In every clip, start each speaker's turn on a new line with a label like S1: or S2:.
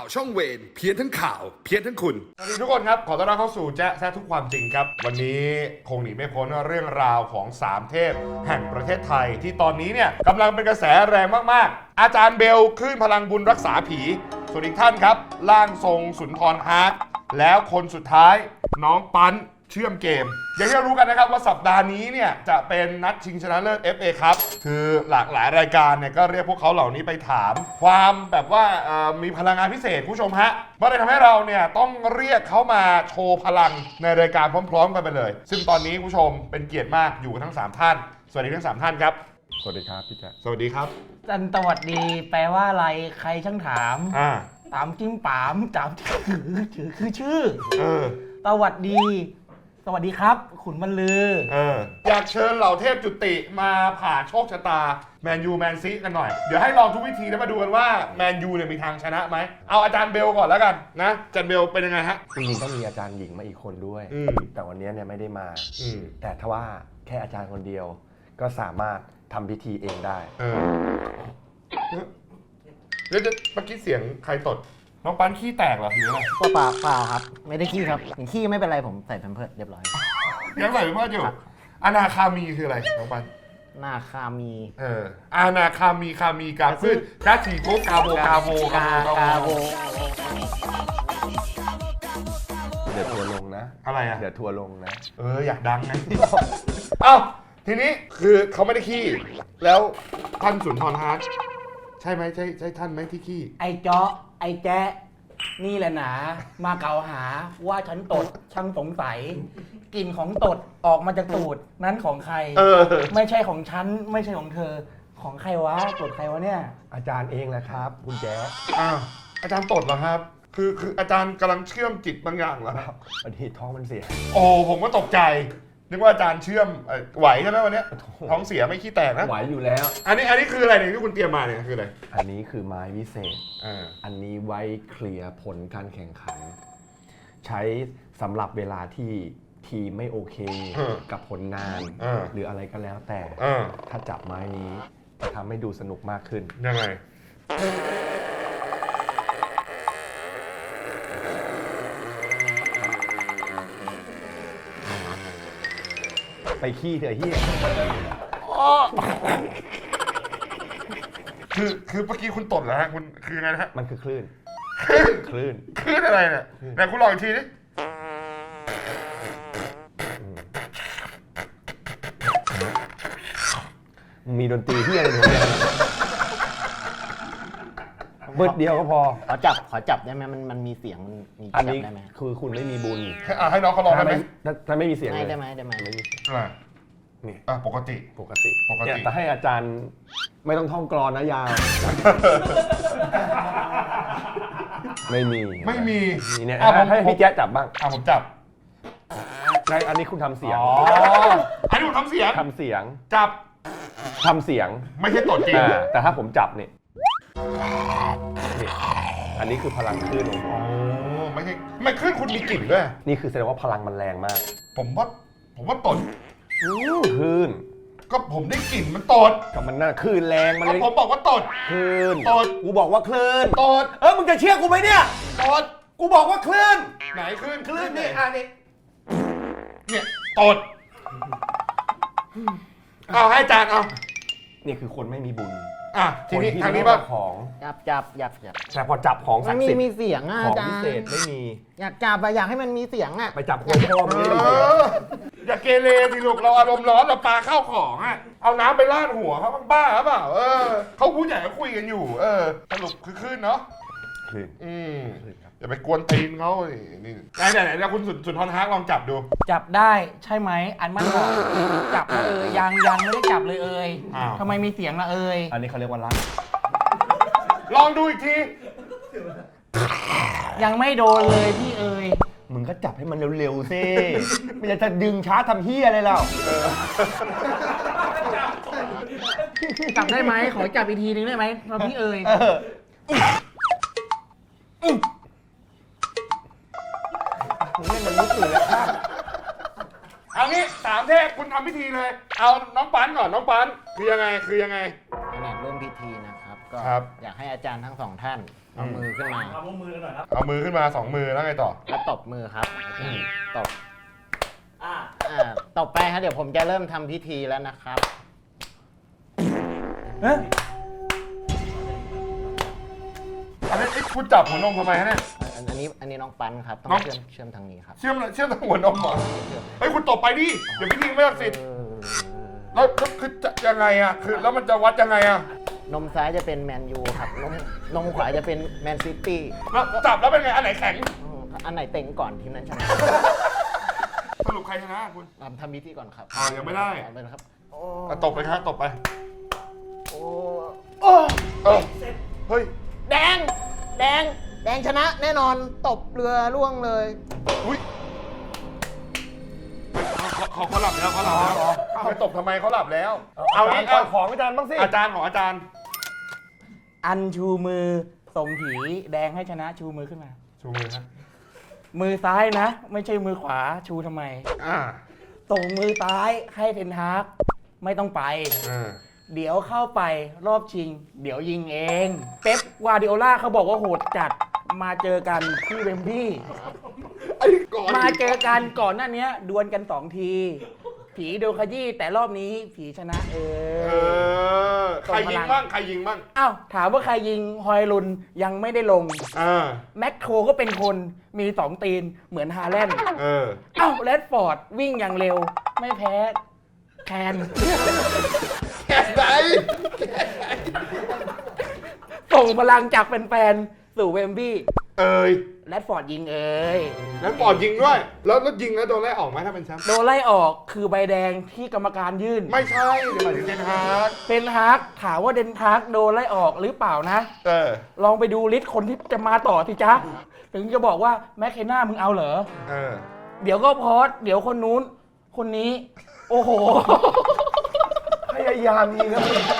S1: ช่องเวรเพี้ยนทั้งข่าวเพี้ยนทั้งคุณ
S2: สวัสดีทุกคนครับขอต้อนรับเข้าสู่แจ๊ะแซ่ทุกความจริงครับวันนี้คงหนีไม่พ้นเรื่องราวของ3เทพแห่งประเทศไทยที่ตอนนี้เนี่ยกำลังเป็นกระแสแรงมากๆอาจารย์เบลคลื่นพลังบุญรักษาผีส่วนอีกท่านครับร่างทรงสุนทรฮาร์ดแล้วคนสุดท้ายน้องปั้นเชื่อมเกมอย่างที่เรารู้กันนะครับว่าสัปดาห์นี้เนี่ยจะเป็นนัดชิงชนะเลิศ FA ครับคือหลากหลายรายการเนี่ยก็เรียกพวกเขาเหล่านี้ไปถามความแบบว่ามีพลังงานพิเศษผู้ชมฮะก็เลยทำให้เราเนี่ยต้องเรียกเขามาโชว์พลังในรายการพร้อมๆกันไปเลยซึ่งตอนนี้ผู้ชมเป็นเกียรติมากอยู่กันทั้ง3ท่านสวัสดีทั้ง3ท่านครับ
S3: สวัสดีครับพี่แจ๊ค
S2: สวัสดีครับ
S4: จันสวัสดีแปลว่าอะไรใครช่างถาม ตามจิ้มปามตามที่ถือคือชื่อสวัสดีสวัสดีครับขุนบรรลือ
S2: อยากเชิญเหล่าเทพจุติมาผ่าโชคชะตาแมนยูแมนซีกันหน่อยเดี๋ยวให้ลองทุกวิธีแล้วมาดูกันว่าแมนยูเนี่ยมีทางชนะไหมเอาอาจารย์เบลก่อนแล้วกันนะอาจารย์เบลเป็นยังไงฮะ
S3: จริงๆต้องมีอาจารย์หญิงมาอีกคนด้วยแต่วันนี้เนี่ยไม่ได้มาแต่ถ้าว่าแค่อาจารย์คนเดียวก็สามารถทำพิธีเองได้
S2: แล้วเมื่อกี้เสียงใครตดน้องปั้นขี้แตกเหรอหรืออะไร
S4: เปล่าครับไม่ได้ขี้ครับอย่างขี้ไม่เป็นไรผมใส่แพมเพิร์สเรียบร้อย
S2: ยังใส่แพมเพิร์สอยู่อนาคามีคืออะไรน้องปั้น
S4: นาคามี
S2: อนาคามีคามีกาพืชกาสีโกกาโบ
S3: เดี๋ยวทัวร์ลงนะ
S2: อะไรอ่ะ
S3: เดี๋ยวทัวร์ลงนะ
S2: อยากดังนะเอ้าทีนี้คือเขาไม่ได้ขี้แล้วท่านสุนทรฮาร์ดใช่ไหมใช่ท่านไหมที่ขี้
S4: ไอ้เจาะไอ้แจ๊ะนี่แหละหนามาเกล่าวหาว่าฉันตดช่างสงสัยกลิ่นของตดออกมาจากตูดนั้นของใครไม่ใช่ของฉันไม่ใช่ของเธอของใครวะตดใครวะเนี่ย
S3: อาจารย์เองแหละครับคุณแจ๊ค
S2: อาจารย์ตดเหรอครับคืออาจารย์กำลังเชื่อมจิตบางอย่างเหรอ
S3: วันนี้ท้องมันเสีย
S2: โอ้ผมก็ตกใจนึกว่าอาจารย์เชื่อมไหวใช่ไหมวันนี้ท้องเสียไม่ขี้แตกนะ
S3: ไหวอยู่แล้ว
S2: อันนี้คืออะไรเนี่ยที่คุณเตรียมมาเนี่ยคืออะไร
S3: อันนี้คือไม้วิเศษอันนี้ไว้เคลียร์ผลการแข่งขันใช้สำหรับเวลาที่ทีมไม่โอเคกับผลงานหรืออะไรก็แล้วแต่ถ้าจับไม้นี้จะทำให้ดูสนุกมากขึ้น
S2: ยังไง
S3: ไปขี้เถอะเฮีย
S2: คือเมื่อกี้คุณตดเหรอฮะคุณคือไงนะฮะ
S3: มันคือคลื่นคลื่น
S2: อะไรเนี่ยไหนคุณลองอีกทีดิ
S3: มีดนตรีที่อะไรเนี่ยเบิดเดียวก็พอ
S4: ขอจับได้ไหมมันมีเสียงมันมี
S3: จับได้ไหมคือคุณไม่มีบุญ
S2: ให้น้องเขาลองได้ไหม
S3: ถ้าไม่มีเสียงเลย
S4: ได้ไหม
S3: ไม่มีเสียง
S2: นี่ปกติ
S3: แต่ให้อาจารย์ไม่ต้องท่องกลอนนะยาวไม่มีเนี่ยให้พี่แจ๊จับบ้าง
S2: ผมจับ
S3: อันนี้คุณทำเสียง
S2: อันนี้ผมทำเสียงจับ
S3: ทำเสียง
S2: ไม่ใช่ตดจริง
S3: แต่ถ้าผมจับเนี่ยอันนี้คือพลังคลื่นของผม
S2: ไม่ใช่ไม่คลื่นคุณมีกลิ่นด้วย
S3: นี่คือแสดงว่าพลังมันแรงมาก
S2: ผมว่าตด
S3: คลื่น
S2: ก็ผมได้กลิ่นมันตด
S3: กับมันน่าคลื่นแรงมันเลย
S2: ผมบอกว่าตด
S3: คลื่น
S2: ตด
S3: กูบอกว่าคลื่น
S2: ตด
S3: มึงจะเชื่อกูไหมเนี่ย
S2: ตด
S3: กูบอกว่าคลื่น
S2: ไหนคลื่น
S3: นี่
S2: เนี่ยตดเอาให้อาจารย์เอา
S3: นี่คือคนไม่มีบุญ
S2: ทีนี้ทางนี้บ้าง
S4: ของจับ
S3: แต่พอจับของศักดิ์สิทธิ์
S4: มีเสียง
S3: ของพิเศษไม่มี
S4: อยากจับอยากให้มันมีเสียง
S3: ไปจับคนพ่อมันไม่มีเสียง
S2: อย่าเกเรสิลูกเราอารมณ์ร้อนเราปาเข้าของเอาน้ำไปราดหัวเขาบ้าหรือเปล่าเขาผู้ใหญ่เขาคุยกันอยู่สรุปคือขึ้นเนาะอย่าไปกวนตีนเขานี่ไหนแล้วคุณสุนทรฮาร์ดลองจับดู
S4: จับได้ใช่ไหมอันมันบอกจับยังไม่ได้จับเลยทำไมมีเสียงละ
S3: อันนี้เขาเรียกว่ารัก
S2: ลองดูอีกที
S4: ยังไม่โดนเลยพี่
S3: มึงก็จับให้มันเร็วๆสิไม่จะดึงช้าทำเฮียอะไรแล้ว
S4: จับได้ไหมขอจับอีกทีนึงได้ไหมเราพี่
S3: มันรู้สึกแล้วครับ
S2: เอางี้3เทพคุณทำพิธีเลยเอาน้องปั้นก่อนน้องปั้นคือยังไง
S5: ร่วมพิธีนะครับ ก็
S2: ครับ
S5: อยากให้อาจารย์ทั้งสองท่านเอามือขึ้นมา
S2: เอามือขึ้นมา2มือแล้วไงต่อ
S5: แล้วตบมือครับตบตบไปครับเดี๋ยวผมจะเริ่มทำพิธีแล้วนะครับ
S4: เอ๊ะ
S2: อันนี้คุณจับหัวนมทำไมฮะเนี่ย
S5: อันนี้น้องปั้นครับต้อง
S2: น้อง
S5: เชื่อมทางนี้ครับ
S2: เชื่อมทางหัวนมเหรอเฮ้ยคุณตบไปดิเดี๋ยวพิธีไม่ศักดิ์สิทธิ์แล้วคือจะยังไงอ่ะคือแล้วมันจะวัดยังไงอ่ะ
S5: นมซ้ายจะเป็นแมนยูครับนมขวาจะเป็นแมนซิตี้
S2: แล้วจับแล้วเป็นไงอันไหนแข็ง
S5: อันไหนเต็งก่อนทีมนั้นชนะ
S2: สรุปใครชนะคุณ
S5: ทำพิธีก่อนครับ
S2: ยังไม่ได้
S5: เอาเลยนะครับโอ้
S2: ตบไปครับตบไป
S5: โอ้
S2: เออเฮ้ย
S5: แดงชนะแน่นอนตบเรือล่วงเลย
S2: อุ้ยเขาหลับแล้วไปตบทำไมเขาหลับแล้ว เอานี้
S3: ก่อนของอาจารย์บ้างสิ
S2: อาจารย์ของอาจารย์
S4: อันชูมือส่งผีแดงให้ชนะชูมือขึ้นมา
S2: ชูมือครับ
S4: มือซ้ายนะ ไม่ใช่มือขวาชูทำไม ส่งมือซ้ายให้เทนฮากไม่ต้องไป เดี๋ยวเข้าไปรอบชิง เดี๋ยวยิงเอง เป๊ปกวาร์ดิโอล่าเขาบอกว่าโหดจัดมาเจอกันที่เวมบลีย์มาเจอกันก่อนหน้านี้ดวลกัน2 ที ผีโดนขยี้แต่รอบนี้ผีชนะ
S2: ใครยิงบ้าง
S4: อ้าวถามว่าใครยิงฮอยลุนยังไม่ได้ลงแม็กโครก็เป็นคนมี 2 ตีนเหมือนฮาแลนด์อ้าวแรดฟอร์ดวิ่งอย่างเร็วไม่แพ้แคน
S2: แค่ไหน
S4: ส่งพลังจากแฟนๆสู่เวมบลีย์ แรดฟอร์ดยิง
S2: แล้วปอดยิงด้วยแล้วยิงแล้วโดนไล่ออกไหมถ้าเป็นแชมป์
S4: โดนไล่ออกคือใบแดงที่กรรมการยื่น
S2: ไม่ใช่เดี๋ยวหมายถึงเดนฮาร์ก
S4: เป็นฮาร์กถามว่าเดนฮาร์กโดนไล่ออกหรือเปล่านะ ลองไปดูลิสต์คนที่จะมาต่อสิจ๊ะ ถึงจะบอกว่าแมคเคนน่ามึงเอาเหรอ เดี๋ยวก็พอสเดี๋ยวคนนู้น คนนี้ โอ้โห
S3: พยายามยิงนะ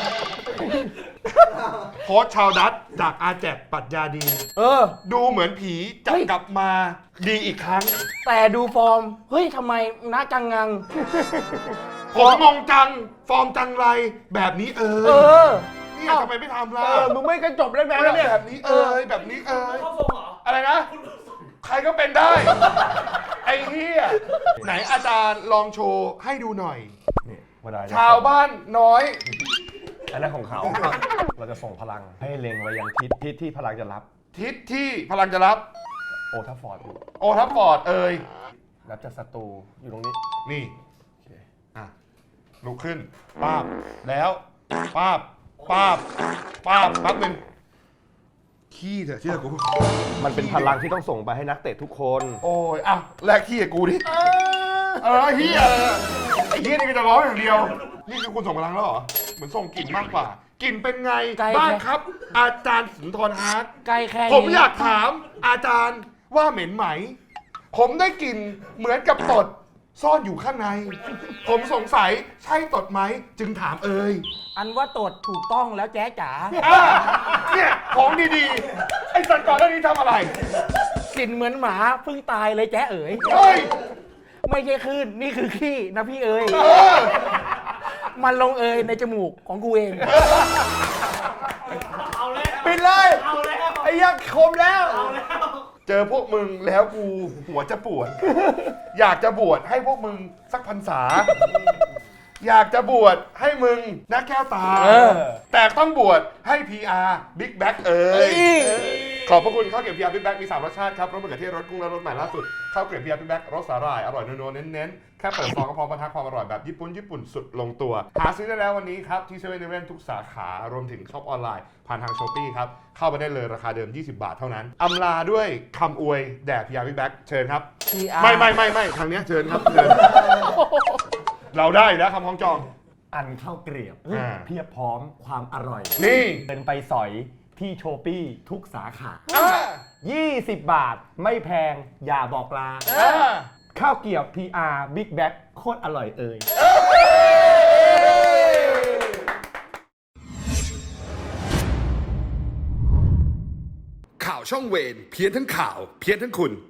S2: โค้ชชาวดัตจากอาแจกปรัชญาดี ดูเหมือนผีจะกลับมาดีอีกครั้ง
S4: แต่ดูฟอร์ม เฮ้ยทำไมนะกังงัง
S2: ผมงงจัง ฟอร์มจังไรแบบนี้เนี่ยทำไมไม่ทำล่ะ
S3: มึงไม่กันจบแล้วนะเนี่ย
S2: แบบนี้แบบนี้อะไรนะ ใครก็เป็นได้ ไอ้เหี้ยไหนอาจารย์ลองโชว์ให้ดูหน่อย
S3: นี่เวลาจะ
S2: ชาวบ้านน้อย
S3: อันนั้นของเขา เราจะส่งพลังให้เล็งไว้ยังทิศที่พลังจะรับ
S2: ทิศที่พลังจะรับ
S3: โอทัฟฟอร์ดอยู่
S2: โอทัฟฟอร์ด
S3: รับจากศัตรูอยู่ตรงนี้
S2: นี่
S3: โอเค
S2: ลุกขึ้นป้าบแล้วป้าบแป๊บนึงขี้เถอะเชื่อกู
S3: มันเป็นพลังที่ต้องส่งไปให้นักเตะทุกคน
S2: โอ้ยแลกขี้กับกูดิเฮียไอ้เฮียนี่ก็จะร้องอย่างเดียว นี่คือคุณส่งพลังแล้วเหรอ เหมือนส่งกลิ่นมากกว่ากลิ่นเป็นไง
S4: ไกล
S2: บ้างครับ อาจารย์สุนทรฮาร์ด
S4: ใกล้แค่นี้
S2: ผมอยากถามอาจารย์ว่าเหม็นไหม ผมได้กลิ่นเหมือนกับตดซ่อนอยู่ข้างใน ผมสงสัยใช่ตดไหมจึงถาม
S4: อันว่าตดถูกต้องแล้วแจ๊จ๋า
S2: เนี่ยของดีๆ ไอ้สัตว์ก่อนหน้านี้ทำอะไร
S4: กลิ่นเหมือนหมาเพิ่งตายเลยแจ๊เอ๋ย
S2: เฮ้ย
S4: ไม่ใช่คลื่นนี่คือขี้นะพี่เอ๋ย มันลงเอยในจมูกของกูเอง
S3: ปิดเลยไอ้ยักษ์คมแล้ว
S2: เจอพวกมึงแล้วกูหัวจะปวด อยากจะบวชให้พวกมึงสักพรรษา อยากจะบวชให้มึงนักแก้วตา แต่ต้องบวชให้ PR Big Back ขอบพระคุณข้าวเกรี๊ยว PR Big Back มี 3 รสชาติครับรสมะเขือเทศรสกุ้งและรสใหม่ล่าสุดข้าวเกรี๊ยว PR Big Back รสสาหร่ายอร่อยนัวๆเน้นๆแค่เปิดซองก็พร้อมบรรทัดความอร่อยแบบญี่ปุ่นสุดลงตัวหาซื้อได้แล้ววันนี้ครับที่7 -Eleven ทุกสาขารวมถึงช็อปออนไลน์ผ่านทาง Shopee ครับเข้าไปได้เลยราคาเดิม20 บาทเท่านั้นอำลาด้วยคำอวยแด่ PR Big Back เชิญครับ
S4: PR
S2: ไม่ทางเนี้ยเชิญครับเชิญ เราได้อยู่แล้วคำคล้องจอง
S3: อันข้าวเกรียบเพียบพร้อมความอร่อย
S2: นี่
S3: เดินไปสอยที่โชปี้ทุกสาขา 20 บาทไม่แพงอย่าบอกลา ข้าวเกรียบ PR Big Back โคตรอร่อย
S1: ข่าวช่องเวรเพี้ยนทั้งข่าว เพี้ยนทั้งคุณ